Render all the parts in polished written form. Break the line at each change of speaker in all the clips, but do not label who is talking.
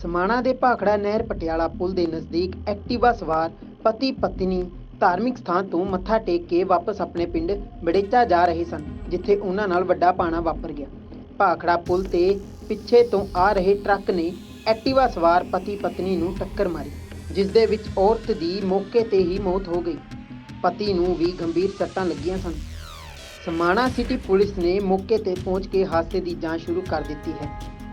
समाणा ਦੇ ਭਾਖੜਾ ਨਹਿਰ ਪਟਿਆਲਾ ਪੁਲ ਦੇ ਨਜ਼ਦੀਕ ਐਕਟਿਵਾ ਸਵਾਰ ਪਤੀ ਪਤਨੀ ਧਾਰਮਿਕ ਸਥਾਨ ਤੋਂ ਮੱਥਾ ਟੇਕ ਕੇ ਵਾਪਸ ਆਪਣੇ ਪਿੰਡ ਬੜੇਚਾ ਜਾ ਰਹੇ ਸਨ, ਜਿੱਥੇ ਉਹਨਾਂ ਨਾਲ ਵੱਡਾ ਪਾਣਾ ਵਾਪਰ ਗਿਆ। ਭਾਖੜਾ ਪੁਲ ਤੇ ਪਿੱਛੇ ਤੋਂ ਆ ਰਹੇ ਟਰੱਕ ਨੇ ਐਕਟਿਵਾ ਸਵਾਰ ਪਤੀ ਪਤਨੀ ਨੂੰ ਟੱਕਰ ਮਾਰੀ, ਜਿਸ ਦੇ ਵਿੱਚ ਔਰਤ ਦੀ ਮੌਕੇ ਤੇ ਹੀ ਮੌਤ ਹੋ ਗਈ। ਪਤੀ ਨੂੰ ਵੀ ਗੰਭੀਰ ਸੱਟਾਂ ਲੱਗੀਆਂ ਸਨ। समाणा सिटी पुलिस ने मौके पर पहुंच के हादसे की जांच शुरू कर दी है।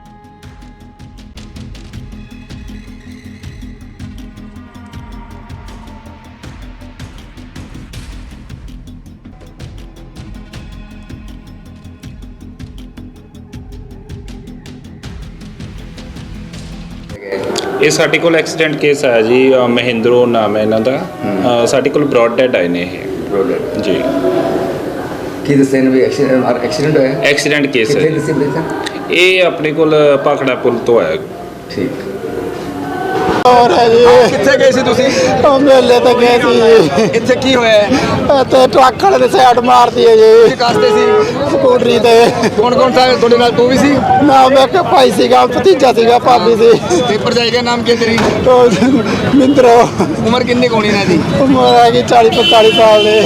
ਇਹ ਸਾਡੇ ਕੋਲ ਐਕਸੀਡੈਂਟ ਕੇਸ ਆਇਆ ਜੀ। ਮਹਿੰਦਰੋ ਨਾਮ ਹੈ ਇਹਨਾਂ ਦਾ। ਸਾਡੇ ਕੋਲ ਬ੍ਰੌਡ ਡੈਡ ਆਏ ਨੇ ਇਹ ਜੀ।
ਕੀ ਦੱਸਿਆ ਨੇ ਵੀ ਐਕਸੀਡੈਂਟ ਹੋਇਆ?
ਐਕਸੀਡੈਂਟ ਕੇਸ ਹੈ।
ਕਿੱਥੇ ਦੱਸਿਆ ਬੇਟਾ?
ਇਹ ਆਪਣੇ ਕੋਲ ਭਾਖੜਾ ਪੁਲ ਤੋਂ ਆਇਆ।
ਠੀਕ।
और है जी
कितने गए सी तुसी?
मेले तो गए सी।
इत्थे की होया है?
ते ट्रक वाले ने साइड मार दी है जी
कास्ते सी
स्कूटरी ते।
कौन कौन था तोड़े नाल? तू भी सी?
ना मैं के भाई सीगा, भतीजा सीगा, भाभी सी।
पेपर जाएगा नाम के तेरी?
तो मिंद्रो
उम्र कितनी कोनी ना दी?
उम्र हैगी 40-45 साल दे।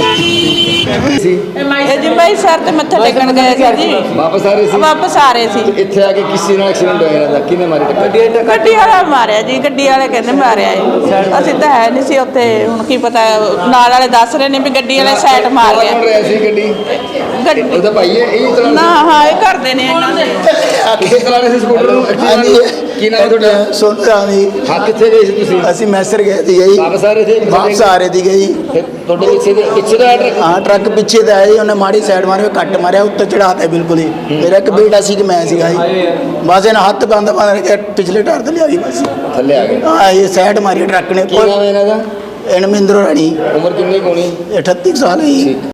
जी भाई सर ते मत्था टेकन गए सी जी।
ਵਾਪਸ ਆ ਰਹੇ ਸੀ?
वापस आ रहे सी।
ਇੱਥੇ ਆ ਕੇ ਕਿਸੇ ਨਾਲ ਐਕਸੀਡੈਂਟ ਹੋਇਆ ਇਹਨਾਂ ਦਾ? ਕਿਹਨੇ ਮਾਰੀ ਟੱਕਰ?
ਗੱਡੀ ਵਾਲਾ ਮਾਰਿਆ ਜੀ। ਗੱਡੀ ਵਾਲੇ ਕਹਿੰਦੇ ਮਾਰਿਆ ਏ। ਅਸੀਂ ਤਾਂ ਹੈ ਨਹੀਂ ਸੀ ਉੱਥੇ। ਹੁਣ ਕੀ ਪਤਾ, ਨਾਲ ਵਾਲੇ ਦੱਸ ਰਹੇ ਨੇ ਵੀ ਗੱਡੀ ਵਾਲੇ ਸਾਈਡ ਮਾਰ
ਕੌਣ
ਗਿਆ।
ਰਿਹਾ ਸੀ ਗੱਡੀ?
ਗੱਡੀ
ਉਹਦਾ ਭਾਈ ਹੈ ਇਹ ਚਲਾ
ਨਾ, ਹਾਂ ਇਹ ਕਰਦੇ ਨੇ ਇਹਨਾਂ ਦੇ।
ਕਿੱਥੇ ਚਲਾ ਰਹੇ ਸੀ ਸਕੂਟਰ ਨੂੰ? ਕੀ ਨਾਮ ਹੈ ਤੁਹਾਡਾ?
ਸੁਣਦਾਨੀ
ਹਾਂ, ਕਿੱਥੇ ਗਏ ਸੀ ਤੁਸੀਂ?
ਅਸੀਂ ਮੈਸਰ ਗਏ ਸੀ ਜੀ।
ਵਾਪਸ ਆ ਰਹੇ ਸੀ?
ਵਾਪਸ ਆ ਰਹੇ ਸੀਗੇ ਜੀ।
ਫਿਰ ਤੁਹਾਡੇ ਪਿੱਛੇ ਦਾ ਟਰੱਕ?
ਹਾਂ, ਟਰੱਕ ਪਿੱਛੇ ਤੇ ਆਇਆ ਜੀ। ਉਹਨੇ ਮਾੜੀ ਸਾਈਡ ਮਾਰੀ, ਕੱਟ ਮਾਰਿਆ, ਉੱਤੇ ਚੜਾਤਾ ਬਿਲਕੁਲ ਹੀ। ਮੇਰਾ ਇੱਕ ਬੇਟਾ ਸੀ ਕਿ ਮੈਂ ਸੀਗਾ ਜੀ। ਬਸ ਇਹਨਾਂ ਹੱਥ ਬੰਦ ਕੇ ਪਿਛਲੇ ਟਾਇਰ ਤੇ ਲਿਆ ਜੀ ਬਸ।
ਥੱਲੇ ਆ ਗਏ?
ਹਾਂ, ਇਹ ਸਾਈਡ ਮਾਰੀ ਟਰੱਕ ਨੇ।
ਕੀ ਨਾਮ ਹੈ ਇਹਨਾਂ ਦਾ?
ਇਹਨਾਂ ਮਹਿੰਦਰੋ ਰਾਣੀ।
ਉਮਰ ਕਿੰਨੀ ਕੋਣੀ?
38 ਸਾਲ ਹੈ ਜੀ।